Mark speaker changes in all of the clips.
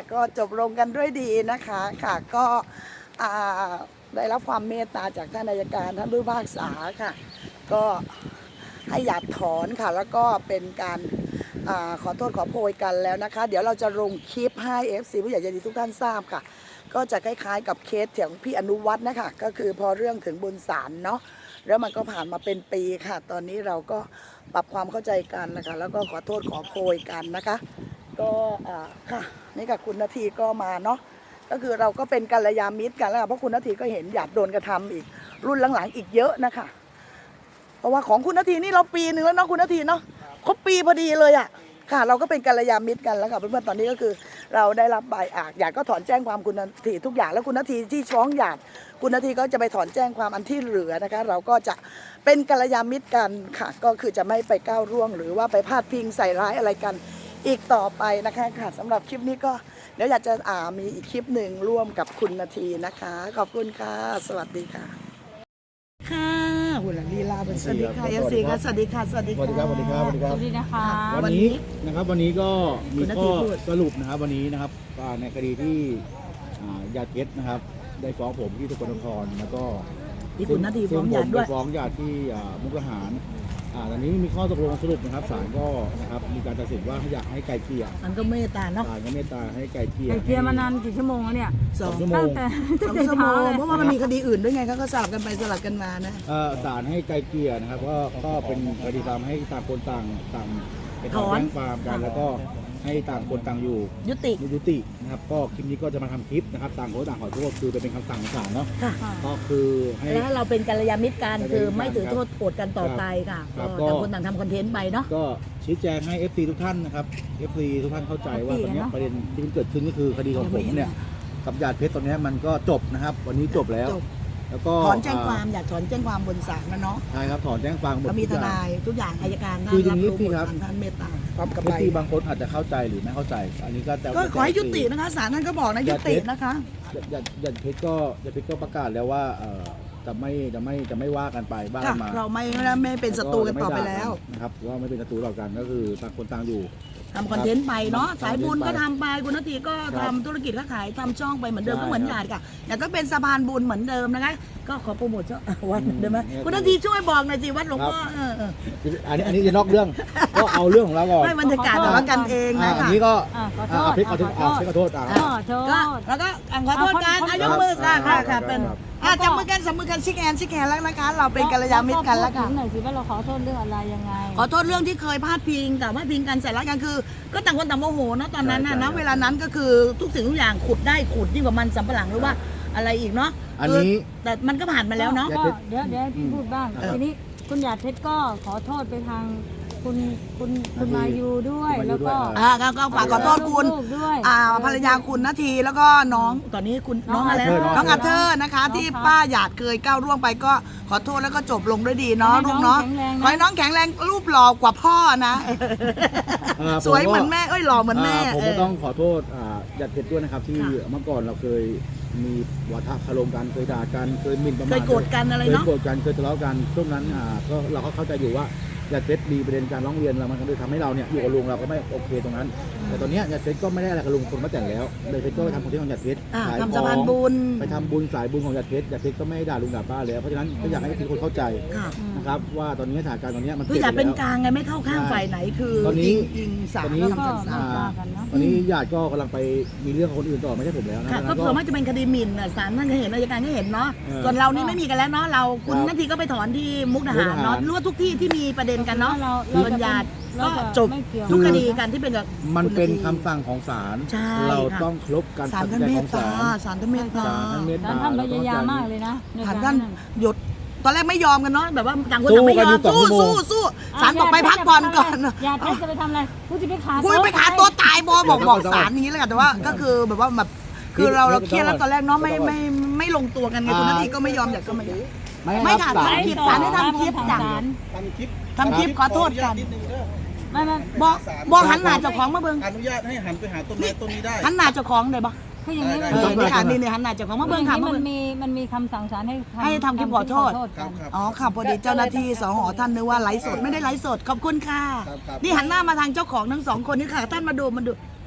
Speaker 1: ก็จบลงกันด้วยดีนะคะค่ะก็ได้รับความเมตตาจากท่านอัยการท่านผู้พิพากษาค่ะก็ให้หยาดถอนค่ะแล้วก็เป็นการขอโทษขอโพยกันแล้วนะคะเดี๋ยวเราจะลงคลิปให้ FC ผู้ใหญ่ใจดีทุกท่านทราบค่ะก็จะคล้ายๆกับเคสของพี่อนุวัฒน์นะคะก็คือพอเรื่องถึงบนศาลเนาะแล้วมันก็ผ่านมาเป็นปีค่ะตอนนี้เราก็ปรับความเข้าใจกันนะคะแล้วก็ขอโทษขอโพยกันนะคะก็ค่ะนี่กับคุณนาทีก็มาเนาะก็คือเราก็เป็นกัลยาณมิตรกันแล้วเพราะคุณนาทีก็เห็นอยากโดนกระทำอีกรุ่นหลังๆอีกเยอะนะคะเพราะว่าของคุณนาทีนี่เราปีหนึ่งแล้วเนาะคุณนาทีเนาะครบปีพอดีเลยอ่ะค่ะเราก็เป็นกัลยาณมิตรกันแล้วค่ะเพื่อนๆตอนนี้ก็คือเราได้รับใบหยาดก็ถอนแจ้งความคุณนาทีทุกอย่างแล้วคุณนาทีที่ฟ้องหยาดคุณนาทีก็จะไปถอนแจ้งความอันที่เหลือนะคะเราก็จะเป็นกัลยาณมิตรกันค่ะก็คือจะไม่ไปก้าวร่วงหรือว่าไปพาดพิงใส่ร้ายอะไรกันอีกต่อไปนะคะค่ะสำหรับคลิปนี้ก็เดี๋ยวอยากจะมีอีกคลิปหนึ่งร่วมกับคุณนาทีนะคะขอบคุณค่ะสวัสดีค่ะค่ะหุ่นลีลาเป็นสวัสดีค่ะFCค่ะสวัสดีค่ะสวัสดีค่ะ
Speaker 2: สวัสดีครับสวัสดีครับ
Speaker 3: สวัสดีนะคะ
Speaker 2: วันนี้ก็มีข้อสรุปนะครับวันนี้นะครับในคดีที่ญาติเพชรนะครับได้ฟ้องผมที่สกลนครแล้วก็
Speaker 1: ที่คุณนาทีฟ้องหยาดด้วย
Speaker 2: ฟ้องญาติที่มุกดาหารตอนนี้มีข้อตกลงสรุปนะครับศาลก็นะครับมีการตัดสินว่าอยากให้ไกลเกลี่ย
Speaker 1: มันก็เมตตาเนาะ
Speaker 2: ศาลก็เมตตาให้ไกลเกลี่ย
Speaker 3: ไก่เกลียมานานกี่ชั่วโมงแล้วเนี่ย
Speaker 2: 2 ชั่วโม
Speaker 3: ตั้
Speaker 2: ง
Speaker 3: งแต่
Speaker 1: 2 ชั่วโมง
Speaker 3: ช้ลย
Speaker 1: เพราะว่ามันมีคดีอื่นด้วยไงเขาก็สลับกันไปสลับกันมานะ
Speaker 2: ศาลให้ไกลเกลี่ยนะครับก็เป็นคดีตามให้ต่างคนต่างไปถอนแจ้งความกันแล้วก็ให้ต่างคนต่างอยู่
Speaker 1: ยุติ
Speaker 2: ยุตินะครับก็คลิปนี้ก็จะมาทำคลิปนะครับต่างคนต่างขอโทษคือเป็นคำสั่งของศาลเนาะ
Speaker 1: ค่ะ
Speaker 2: ก็คือให้
Speaker 1: แล้วเราเป็นกัลยาณมิตรกันคือไม่ถือโทษโกรธกันต่อไปค่ะ
Speaker 2: ครับ
Speaker 1: ก็ต่างคนต่างทำคอนเทนต์ไปเนาะ
Speaker 2: ก็ชี้แจงให้ FC ทุกท่านนะครับ FC ทุกท่านเข้าใจว่าตอนนี้ประเด็นที่มันเกิดขึ้นก็คือคดีของผมเนี่ยกับญาติเพชรตอนนี้มันก็จบนะครับวันนี้จบแล้ว
Speaker 1: จบ
Speaker 2: แล้วก็
Speaker 1: ถอนแจ้งความอยากถอนแจ้งความบนศาลนะเนาะ
Speaker 2: ใช่ครับถอนแจ้งความหมด
Speaker 1: ก็มี
Speaker 2: ทุ
Speaker 1: ท
Speaker 2: กอย่าง
Speaker 1: นายทุกอย่างอัยการ
Speaker 2: คืออย่างนี้
Speaker 1: รับ
Speaker 2: พี่
Speaker 1: รู้
Speaker 2: ครับ
Speaker 1: ท่านเมตตาพร้อมกับ
Speaker 2: เอ
Speaker 1: ใบ
Speaker 2: ฟซีบางคนอาจจะเข้าใจหรือไม่เข้าใจ อันนี้ก็แต่
Speaker 1: ก็ขอให้ยุตินะคะศาลท่านก็บอกนะยุตินะคะ
Speaker 2: ญาติเพชรก็ประกาศแล้วว่าจะไม่ว่ากันไปบ้า
Speaker 1: ค่ะ
Speaker 2: กันมา
Speaker 1: เราไม่เป็นศัตรูกันต่อไปแล้ว
Speaker 2: นะครับว่าไม่เป็นศัตรูต่อกันก็คือต่างคนต่างอยู่
Speaker 1: ทำคอนเทนต์ไปเนาะ
Speaker 2: ครับ
Speaker 1: สายบุญก็ทำไปคุณนาทีก็
Speaker 2: ครั
Speaker 1: ทำ
Speaker 2: บ
Speaker 1: ธุรกิจค้าขายทำช่องไปเหมือนเดิม
Speaker 2: ใช่
Speaker 1: ก็เหมือนหยาดค่ะแต่ก็เป็นสะพานบุญเหมือนเดิมนะคะก็ขอโปรโมทช่องวัด
Speaker 2: อืม
Speaker 1: ได้ไหม
Speaker 2: เนี่ย
Speaker 1: คุณนาทีช่วยบอกหน่อยสิวัดหลวงพ่อ
Speaker 2: ครับ อันนี้จะนอกเรื่อง ก็เอาเรื่องของเราก่อน
Speaker 1: ไม่บรรยากาศแบบว่ากันเองนะ
Speaker 2: อั
Speaker 1: คะ
Speaker 2: นนี้ก็
Speaker 3: ขอโทษ
Speaker 2: เพชรขอโทษเพชรขอโทษ
Speaker 3: ขอโทษ
Speaker 1: ก็แล้วก็ขอโทษกันยกมือค่ะค่ะค่ะเป็น
Speaker 3: ครับ
Speaker 1: จับมือกันจับมือกันชิคแอนแล้วนะคะเราเป็นกัลยาณมิตรกันแล้ว
Speaker 3: พู
Speaker 1: ค่ะ
Speaker 3: ดถึงหน่อยสิว่าเราขอโทษเรื่องอะไรยังไง
Speaker 1: ขอโทษเรื่องที่เคยพาดพิงแต่ว่าพิงกันใส่ร้ายกันคือ ก็ต่างคนต่างโมโหเนาะตอนนั้นนะ
Speaker 2: ใช่
Speaker 1: นะ
Speaker 2: ใช่
Speaker 1: เวลานั้นก็คือทุกสิ่งทุกอย่างขุดได้ขุดยิ่งกว่ามันสำปะหลังหรือว่าอะไรอีกเนาะ
Speaker 2: อันนี้
Speaker 1: คือแต่มันก็ผ่านมาแล้วเนาะ
Speaker 3: ก็เดี๋ยวให้พี่พูดบ้าง
Speaker 1: เออ
Speaker 3: ทีนี้คุณหยาดเพชรก็ขอโทษไปทางคุณมายูด้วย
Speaker 2: คุณมายู
Speaker 3: แล้วก็
Speaker 2: ด้วย
Speaker 1: ก็ฝากขอโทษคุณ
Speaker 3: ลูกด้วย
Speaker 1: ภรรยาคุณนาทีแล้วก็น้องตอนนี้คุณน้องอะไร
Speaker 2: น้อง
Speaker 1: อัเธอร์นะคะ ที่ป้าหยาดเคยก้าวร่วงไปก็ขอโทษแล้วก็จบลงด้วยดีเนาะลูกเนาะขอให้น้องแข็งแรงรูปหล่อกว่าพ่อนะ สวยเหมือนแม่หล่อเหมือนแม่
Speaker 2: ผมก็ต้องขอโทษญาติเพชรด้วยนะครับที่
Speaker 1: ค่ะ
Speaker 2: เมื่อก่อนเราเคยมีวาทะคารมกันเคยด่ากันเคยหมิ่นประมาท
Speaker 1: เคยโกรธกันอะไร
Speaker 2: เคย
Speaker 1: เนาะ
Speaker 2: โกรธกันเคยทะเลาะกันช่วงนั้นก็เราก็เข้าใจอยู่ว่าญาติเพชรมีประเด็นการร้องเรียนเรามันก็เลยทำให้เราเนี่ยอยู่กับลุงเราก็ไม่โอเคตรงนั้น แต่ตอนนี้ญาติเพชรก็ไม่ได้อะไรกับลุงคนมาแต่งแล้วญาติเพชรก็ไปทำคอนเทนต์ของญาติเพชรขาย
Speaker 1: ทำ
Speaker 2: ข
Speaker 1: สะ
Speaker 2: อง
Speaker 1: พานบุญ
Speaker 2: ไปทำบุญสายบุญของญาติเพชรญาติเพชรก็ไม่ได้ด่าลุงด่าป้าแล้วเพราะฉะนั้นก็อยากให้ทุกคนเข้าใจ
Speaker 1: ค่ะ
Speaker 2: นะครับว่าตอนนี้สถานการณ์ตอนนี้มัน
Speaker 1: คืออย่า
Speaker 2: ป
Speaker 1: เป็น
Speaker 2: ลี่
Speaker 1: กลางไงไม่เข้าข้างฝ่ายไหนคือ
Speaker 2: ตอนนี้
Speaker 1: ยิงสา
Speaker 2: ต
Speaker 1: ม
Speaker 2: อนนี้
Speaker 1: คำสั่งศาล
Speaker 2: ตอนนี้ญาติก็กำลังไปมีเรื่องกับคนอื่นต่อไม่ใช่ผมแล้วนะ
Speaker 1: ค่ะ
Speaker 2: ดัง
Speaker 1: ก็
Speaker 2: นั้น
Speaker 1: เผื่อว่าจะเป็นคดีหมิ่นน่ะศาลท่านก็เห็นอัยการก็เห็นเนาะ
Speaker 2: เออ
Speaker 1: ส่วนเรานี่ไม่มีกันแล้วเนาะเราคุณ
Speaker 2: ครับ
Speaker 1: นาทีก็ไปถอนที่มุกดาหารเนาะ
Speaker 2: มุกดาหาร
Speaker 1: รู้ว่าทุกที่ที่มีประเด็นกันเนาะ
Speaker 3: เรา
Speaker 1: ส่วนญาติก็จบ
Speaker 3: ไม่เกี่ยว
Speaker 1: ทุกคดีกันที่เป็นกับ
Speaker 2: มันเป็น
Speaker 1: ณา
Speaker 2: คำ
Speaker 1: ที
Speaker 2: สั่งของศาล
Speaker 1: ใช่
Speaker 2: เรา
Speaker 1: ค่ะ
Speaker 2: ต้องเคารพการ
Speaker 1: ศาล
Speaker 2: ตัด
Speaker 1: ท่าน
Speaker 2: สินใจ
Speaker 1: เม
Speaker 2: ข
Speaker 1: ต
Speaker 2: องศา
Speaker 1: ตา
Speaker 2: ล
Speaker 1: ศาลท่านเมตตา
Speaker 2: ศาลท่านเมต
Speaker 3: แล้วท่านพยายามมากเลยนะใน
Speaker 1: ศาล
Speaker 3: กา
Speaker 1: ท่าร น
Speaker 3: นั้น
Speaker 1: หยุดตอนแรกไม่ยอมกันเนาะแบบว่าต่างคนต่างไม่ยอม
Speaker 2: สู้กันอยู่
Speaker 1: สู้ศาลบอกไปพักผ่อนก่อน
Speaker 3: ญาติเพชรจะไปทำอะไรกูจะไปขา
Speaker 1: กูไปขาตัวตายบอกศาลอย่างนี้แล้วกันแต่ว่าก็คือแบบว่าแบบคือเราเครียดแล้วตอนแรกเนาะไม่ลงตัวกันไงคุณนาทีก็ไม่ยอมอยากก็ไม่ยอม ไม่ค่ะ
Speaker 2: ศาล
Speaker 1: ทำคลิปศาลให้ทำคลิปจ้ะ ทำคลิปขอโทษกัน
Speaker 3: ไม่
Speaker 1: บอกหันหน้าเจ้าของมาเบิ่ง
Speaker 4: อนุญาตให้หันไปหาต้นไม้ต้นนี้ได้
Speaker 1: หันหน้าเจ้าของได้ปะ
Speaker 3: คืออย่างนี้
Speaker 4: ได้
Speaker 1: นี่ค่ะนี่หันหน้าเจ้าของมาเบิ่งค่ะมา
Speaker 3: มั
Speaker 1: เบิ่
Speaker 3: น
Speaker 1: ง
Speaker 3: มีคำสั่งศาลให้
Speaker 1: ให้ทำคลิปขอโทษ
Speaker 4: ครับครับ
Speaker 1: อ๋อค่ะพอดีเจ้าหน้าที่สหท่านนึกว่าไลฟ์สดไม่ได้ไลฟ์สดขอบคุณค่ะ
Speaker 4: ครับ
Speaker 1: นี่หันหน้ามาทางเจ้าของทั้งสองคนนี่ค่ะท่านมาดู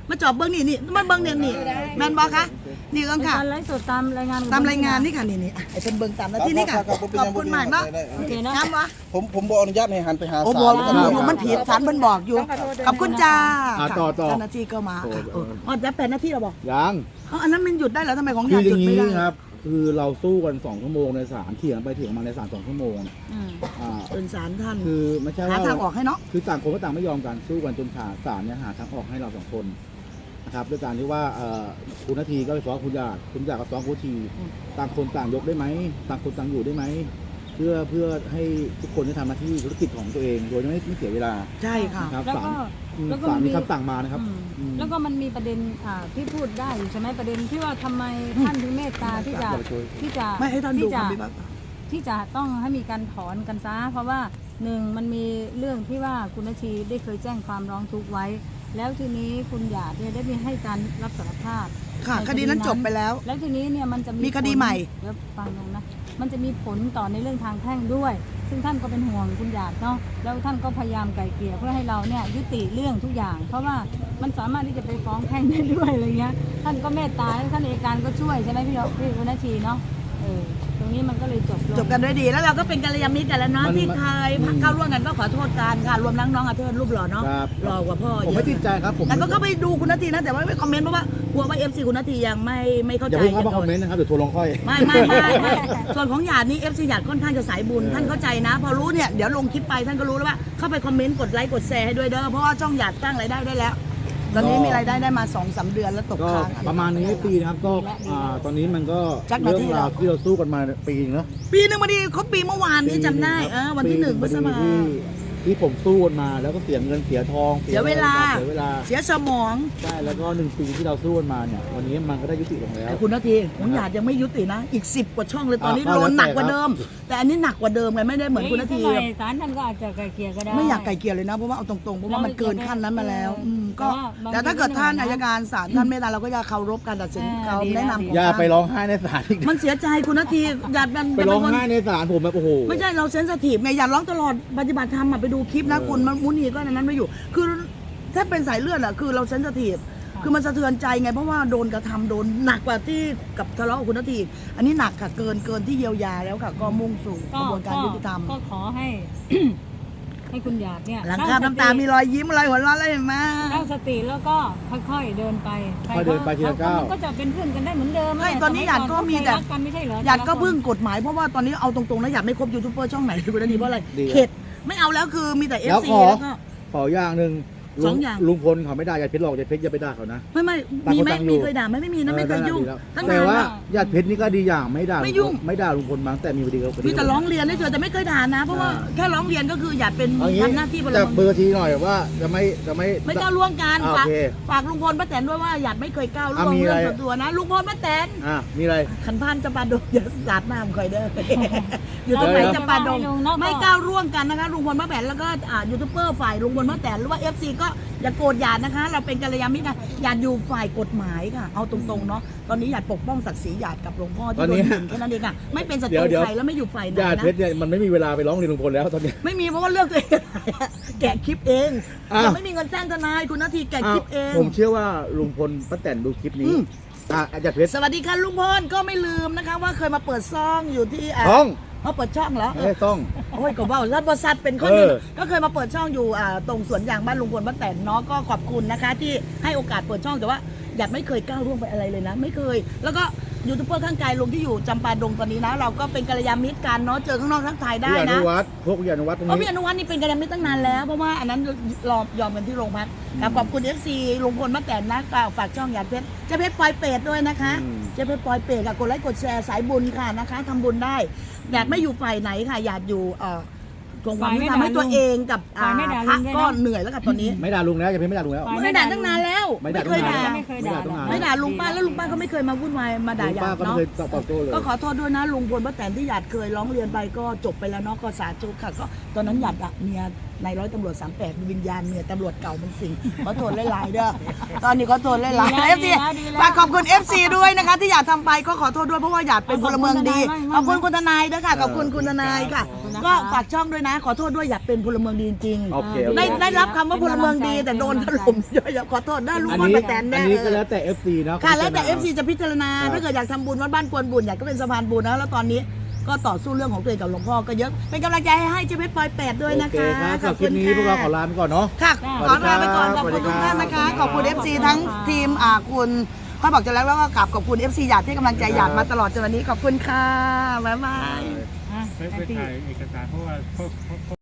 Speaker 1: มาจอบเบิ้งนี่มาเบิ้งเนี่ยนี่แมนบอคะนี่เอิงค่ะ
Speaker 3: การไลฟ์สดตามรายงานของ
Speaker 1: ตามรายงานนี่ค่ะนี่ไอ้เป็นเบิ้งตามแล้วที่นี่ค่ะขอบคุณมากเนาะ
Speaker 3: โอเคเนาะ
Speaker 1: น้ำวะ
Speaker 4: ผมบอกอนุญาตให้หันไปหา
Speaker 1: โอ้
Speaker 4: สา
Speaker 1: บอก
Speaker 4: ว
Speaker 1: อยู่มันผิดสารเพิ่นบอกอยู่ขอบคุณจ้า
Speaker 2: ต่อ
Speaker 1: เจ้าหน้าที่ก็มาค่ะอ๋อจะเป็นหน้าที่เราบอก
Speaker 2: ยัง
Speaker 1: อันนั้นมันหยุดได้แล้วทำไมของอ
Speaker 2: คื
Speaker 1: ยา
Speaker 2: ออ
Speaker 1: หยุ
Speaker 2: ย่า
Speaker 1: ด
Speaker 2: ง
Speaker 1: ไม่
Speaker 2: นี้
Speaker 1: ได้
Speaker 2: ครับ คือเราสู้กัน2 ชั่วโมงในศาลเถียงไปเถียงมาในศาล2 ชั่วโมง
Speaker 3: อืม
Speaker 2: อ่า
Speaker 1: เป็นสารท่าน
Speaker 2: คือไม่ใช่
Speaker 1: หา
Speaker 2: ว่า
Speaker 1: ทางออกให้เนาะ
Speaker 2: คือต่างคนก็ต่างไม่ยอมกันสู้กันจนศาลเนี่ยหาทางออกให้เรา2 คนนะครับด้วยการที่ว่าคุณนาทีก็ไปฟ้องคุณหยาดก็ฟ้องคุณทีต่างคนต่างยกได้ไหมต่างคนต่างอยู่ได้ไหมเพื่อให้ทุกคนได้ทำหน้าที่ธุรกิจของตัวเองโดยไม่เสียเวลา
Speaker 1: ใช่ค่ะ
Speaker 2: นะครับ
Speaker 3: แล้วก็ แล้วก็
Speaker 2: ศาล
Speaker 3: มันมี
Speaker 2: มีคำสั่งมานะครับ
Speaker 3: แล้วก็มันมีประเด็นที่พูดได้อยู่ใช่ไหมประเด็นที่ว่าทำไมท่านถึงเมตตาที่จะ
Speaker 1: ไม่ให้ท่านดู
Speaker 3: ที่จะ
Speaker 1: คำพิพากษา
Speaker 3: ที่จะต้องให้มีการถอนกันซะเพราะว่าหนึ่งมันมีเรื่องที่ว่าคุณนาทีได้เคยแจ้งความร้องทุกข์ไว้ แล้วทีนี้คุณหยาดเนี่ยได้มีให้การรับสารภาพ
Speaker 1: ค่ะ
Speaker 3: ใน
Speaker 1: คดีนั้นจบไปแล้ว
Speaker 3: แล้วทีนี้เนี่ยมันจะ
Speaker 1: มีคดีใหม่
Speaker 3: เดี๋ยวฟังลงนะมันจะมีผลต่อในเรื่องทางแพ่งด้วย ซึ่งท่านก็เป็นห่วงคุณหยาดเนาะแล้วท่านก็พยายามไกล่เกลี่ยเพื่อให้เราเนี่ยยุติเรื่องทุกอย่าง เพราะว่ามันสามารถที่จะไปฟ้องแพ่งได้ด้วยอะไรเงี้ยท่านก็เมตตาแล้วท่านอัยการก็ช่วยใช่ไหมพี่คุณนาทีเนาะตรงนี้มันก็เลยจบลง
Speaker 1: จบกันด้วยดีแล้วเราก็เป็นกัลยาณมิตรกันแล้วเนาะ
Speaker 2: มัน
Speaker 1: ที่เคยเข้าร่วมกันก็ขอโทษกันค่ะรวมทั้งน้องอาเทิร์นรูปหล่อเนาะ
Speaker 2: ครับ
Speaker 1: หล่อกว่าพ่อ
Speaker 2: ผม
Speaker 1: เย
Speaker 2: ไม่
Speaker 1: อะ
Speaker 2: ติดใจครับผม
Speaker 1: แต่ก็เข้าไปดูคุณนาทีนะแต่ว่าไม่คอมเมนต์เพราะว่ากลัวว่า FC คุณนาทียังไม่เข้า
Speaker 2: อ
Speaker 1: ใจ
Speaker 2: ย่าเพิ่งเข้ามาคอมเมนต์นะครับเดี๋ยวทัวร์ลงค่อย
Speaker 1: ไม่ส่วนของหยาดนี่ FC หยาดค่อนข้างจะสายบุญท่านเข้าใจนะ พอรู้เนี่ยเดี๋ยวลงคลิปไปท่านก็รู้แล้วว่าเข้าไปคอมเมนต์กดไลค์กดแชร์ให้ด้วยเด้อเพราะว่าช่องหยาดตั้งรายได้ได้แล้ว ตอนนี้มีรายได้มา 2-3 เดือนแล้วตก
Speaker 2: ก็
Speaker 1: ค้าง
Speaker 2: ประมาณนี้ปีนะครับก็ตอนนี้มันก็
Speaker 1: จักนาที
Speaker 2: เรื่องราวที่เราสู้กันมาปีนึงเนอะ
Speaker 1: ปีหนึ่งพอดีครบปีเมื่อวานนี้จำได้วันที่1พฤษภาคม
Speaker 2: ที่ผมสู้กันมาแล้วก็เสียเงินเสียทอง
Speaker 1: เสียเวลา
Speaker 2: เสียเวลา
Speaker 1: เสียสมอง
Speaker 2: ใช่แล้วก็1 ปีที่เราสู้กันมาเนี่ยวันนี้มันก็ได้ยุติลงแล้ว
Speaker 1: แต่คุณนาทีผมหยาดยังไม่ยุตินะอีก10 กว่าช่องเลยตอนนี้
Speaker 2: ก็
Speaker 1: โด
Speaker 2: แล้ว
Speaker 1: น
Speaker 2: แต่
Speaker 1: หนักกว่าเดิม แต่อันนี้หนักกว่าเดิมไงไม่ได้เหมือนคุณนาที
Speaker 3: อีกสักหน่อยศาลท่านก็อาจจะไกล่เกลี่ยก็ได้
Speaker 1: ไม่อยากไกลเกลี่ยเลยนะเพราะว่าเอาตรงๆเพราะว่ามันเกินขั้นนั้นมาแล้วก็
Speaker 3: แต่ว่า
Speaker 1: แต่ถ้าเกิดท่าน
Speaker 3: บางที
Speaker 1: อัยการศาลท่านเมตตาเราก็จะเคารพการตัดสิน
Speaker 3: อ่า
Speaker 1: คำแนะนำของ
Speaker 2: อย่า
Speaker 1: ท่าน
Speaker 2: ไปร้องไห้ในศาลอีก
Speaker 1: มันเสียใจคุณนาทีหยาดมัน
Speaker 2: ไปร้องไห้ในศาลผมแบบโอ้โห
Speaker 1: ไม่ใช่เราเซนซิทีฟไงหยาดร้องตลอดปฏิบัติธรรมไปดูคลิปนะคุณมันมุนีก็ในนั้นไม่อยู่ คือถ้าเป็นสายเลือดอะคือเราเซนซิทีฟคือมันสะเทือนใจไงเพราะว่าโดนกระทำโดนหนักกว่าที่กับทะเลาะกับคุณนาทีอันนี้หนักค่ะเกินที่เยียวยาแล้วค่ะก็มุ่งสู่กระบวนการยุติธรรม
Speaker 3: ก็ขอให้ ให้คุณหยาดเนี่ย
Speaker 1: หลังคาบน้ำตามีรอยยิ้มรอยหัวเราะอะไรเห็นไหม
Speaker 3: ตั้งสติแล้วก็ค่อยๆเดินไป
Speaker 2: ค่อยเดินไปทีละก้าว
Speaker 3: มันก็จะเป็นเพื่อนกันได้เหมือนเดิม
Speaker 1: ใช่ตอนนี้หยาดก็มีแต่
Speaker 3: รักกันไม่ใช่เหรอ
Speaker 1: หยาดก็พึ่งกฎหมายเพราะว่าตอนนี้เอาตรงๆนะหยาดไม่ครบยูทูบเบอร์ช่องไหนเลยคุณนาทีเพราะอะไร
Speaker 2: ดี
Speaker 1: เข็ดไม่เอาแล้วคือมีแต่
Speaker 2: แล้ว
Speaker 1: FC
Speaker 2: ขอ
Speaker 1: แล้วก็
Speaker 2: ขออย่างหนึ่ง
Speaker 1: สองอย่าง
Speaker 2: ลุงพลเขาไม่ได้อย่าเพชรหรอกอย่าเพชรอย่าไปด่าเขานะ
Speaker 1: ไม่
Speaker 2: ต่าง
Speaker 1: มี
Speaker 2: คน
Speaker 1: ไหม
Speaker 2: ต่างอยู่
Speaker 1: มีเคยด่าไหมไม่มีนะไม่เคยยุ่ง
Speaker 2: ดีแล้ว
Speaker 1: ตั้ง
Speaker 2: แต่
Speaker 1: นาน
Speaker 2: ว่า
Speaker 1: แล้ว
Speaker 2: ญาติเพชรนี่ก็ดีอย่างไม่ด่า
Speaker 1: ไม่ยุ่ง
Speaker 2: ไม่ด่าลุงพลมั้งแต่มีพอดีกับ
Speaker 1: มีแต่ร้องเรียนได้เฉยแต่ไม่เคยด่านะ เพราะว่าแค่ร้องเรียนก็คือหยาดเป็น
Speaker 2: เอางี้
Speaker 1: ทำหน้าที่พล
Speaker 2: จับ
Speaker 1: เมือง
Speaker 2: เบอร์ทีหน่อยว่าจะไม่
Speaker 1: ไม่ก้าวล่วงกัน
Speaker 2: โอ
Speaker 1: ฝาก
Speaker 2: เค
Speaker 1: ฝากลุงพลป้าแตนด้วยว่าหยาดไม่เคยก้าวล่วง
Speaker 2: มี
Speaker 1: เรื่
Speaker 2: อะไร
Speaker 1: องส่วนตัวนะลุงพลป้าแตน
Speaker 2: มีอะไร
Speaker 1: ขันพานจะปาดงอย่าสาดน้ำคอยเด้อ อยู่ตรงไหน
Speaker 2: เดี๋ยว
Speaker 1: จะปาดง
Speaker 3: เนาะ
Speaker 1: ไม่ก้าวร่วงกันนะคะลุงพลป้าแตนแล้วก็ยูทูบเบอร์ฝ่ายลุงพลป้าแตนหรือว่า FC ก็อย่าโกรธหยาดนะคะ เราเป็นกัลยาณมิตรกันหยาดอยู่ฝ่ายกฎหมายค่ะ เอาตรงๆเนาะตอนนี้หยาดปกป้องศักดิ์ศรีหยาดกับหลวงพ่อที่โดนยิงแค่นั้นเองค่ะไม่เป็นศัตรูใครแล้วไม่อยู่ฝ่ายไหน
Speaker 2: ญาติ
Speaker 1: นะ
Speaker 2: เพชรเนี่ยมันไม่มีเวลาไปร้องเรียนลุงพลแล้วตอนนี้
Speaker 1: ไม่มีเพราะว่าเลือกตัวเองแกะคลิปเอง
Speaker 2: อ้าว
Speaker 1: ยังไม่มีเงินจ้างทนายคุณนาทีแกะคลิปเอง
Speaker 2: ผมเชื่อว่าลุงพลป้าแตนดูคลิปนี้ญาติเพชร
Speaker 1: สวัสดีค่ะลุงพลก็ไม่ลืมนะคะว่าเคยมาเปิดซ่องอยู่ที่
Speaker 2: ต้อง
Speaker 1: เขาเปิดช่องเหรอ
Speaker 2: ไม่ได้ต้อง
Speaker 1: โอ้ยก็ว่ารัฐบริษัทเป็นคนหนึง
Speaker 2: เออ
Speaker 1: ก็เคยมาเปิดช่องอยู่ตรงสวนยางบ้านลุงพลป้าแตนเนาะก็ขอบคุณนะคะ ที่ให้โอกาสเปิดช่องแต่ว่าหยาดไม่เคยก้าวร่วงไปอะไรเลยนะ ไม่เคย แล้วก็ยูทูบเบอร์ข้างกายลุงที่อยู่จำปาดงตอนนี้นะ เราก็เป็นกัลยาณมิตรกันเนาะเจอข้างนอกทักทายได้
Speaker 2: พี่อนุ
Speaker 1: นะ
Speaker 2: วัฒน์พวกพี่อนุวัฒน์ตรง
Speaker 1: เพราะ
Speaker 2: นี้
Speaker 1: พี่อนุวัฒน์นี่เป็นกัลยาณมิตรตั้งนานแล้วเพราะว่าอันนั้นยอมกันที่โรงพักขอบคุณ FC ลุงพลป้าแตนนะก็ฝากช่องหยาดเพชรเจะเพชรปลอยเป็ดด้วยนะคะ เจะเพชรปลอยเป็ดค่ะกดไลค์กดแชร์สายบุญค่ะนะคะทำบุญได้หยาดไม่อยู่ฝ่ายไหนค่ะหยาดอยู่ทวงความยุติธรรมให้ตัวเองกับพระก็เหนื่อยแล้วค่ะตอนนี้
Speaker 2: ไม่ด่าลุงแล้วอย่าเพชรไม่ด่าลุงแล้ว
Speaker 1: ไม่ด่าตั้งนานแล้ว
Speaker 2: ไม่ด่า
Speaker 1: เคยด่า
Speaker 3: ไม่เคยด่า
Speaker 2: ตั้งนาน
Speaker 1: ไม่ด่าลุงป้าแล้วลุงป้าก็ไม่เคยมาวุ่นวายมาด่าหยา
Speaker 2: ป้า
Speaker 1: ด
Speaker 2: ก็ไม่
Speaker 1: เนาะ
Speaker 2: เคยตอบโต้เลย
Speaker 1: ก็ขอโทษด้วยนะลุงพลป้าแตนที่หยาดเคยร้องเรียนไปก็จบไปแล้วเนาะก็สาธุค่ะก็ตอนนั้นหยาดอะเมียนายร้อยตำรวจ38วิญญาณเมียตำรวจเก่ามันสิงขอโทษหลายๆเด้อตอนนี้ขอโทษหลายๆ FC ฝากขอบคุณ FC ด้วยนะคะที่หยาดทำไปก็ขอโทษด้วยเพราะว่าหยาดเป็นพลเมืองดีขอบคุณคุณทนายด้วยค่ะขอบคุณคุณทนายค่ะ
Speaker 3: นะคะ
Speaker 1: ก็ฝากช่องด้วยนะ ขอโทษด้วยอยากเป็นพลเมืองดีจริง
Speaker 2: โอเค
Speaker 1: ๆได้รับคำว่าพลเมืองดีแต่โดนถล่มเยอะๆขอโทษได้รู้
Speaker 2: อัน
Speaker 1: ว่า
Speaker 2: นี้
Speaker 1: ป้าแตน
Speaker 2: อั
Speaker 1: แน่
Speaker 2: นนี้ก็แล้วแต่ FC นะ
Speaker 1: ค่ะแล้วแต่
Speaker 2: พิจารณา
Speaker 1: FC จะพิจารณา
Speaker 2: ครับ
Speaker 1: ถ้าเกิดอยากทำบุญวัดบ้านกวนบุญอยากก็เป็นสะพานบุญนะแล้วตอนนี้ก็ต่อสู้เรื่องของตัวเองกับหลวงพ่อก็เยอะเป็นกำลังใจให้เจ๊เพชรปอย8ด้วยนะ
Speaker 2: โอเค
Speaker 1: คะ
Speaker 2: ครับสำหรับคลิปนี้พวกเราขอลาไปก่อนเนาะ
Speaker 1: ค่ะ
Speaker 3: จ้ะ
Speaker 1: ขอลาไปก่อนขอบคุณทุกท่านนะคะ ขอบคุณ FC ทั้งทีมคุณค่อยบอกจะแล้วก็กลับขอบคุณ FC หยาดที่กำลังใจหยาดมาตลอดจนวันนี้ขอบคุณค่ะบ๊ายบาย
Speaker 3: อ่ะ
Speaker 5: ไปถ่ายเอกสารเพราะว่า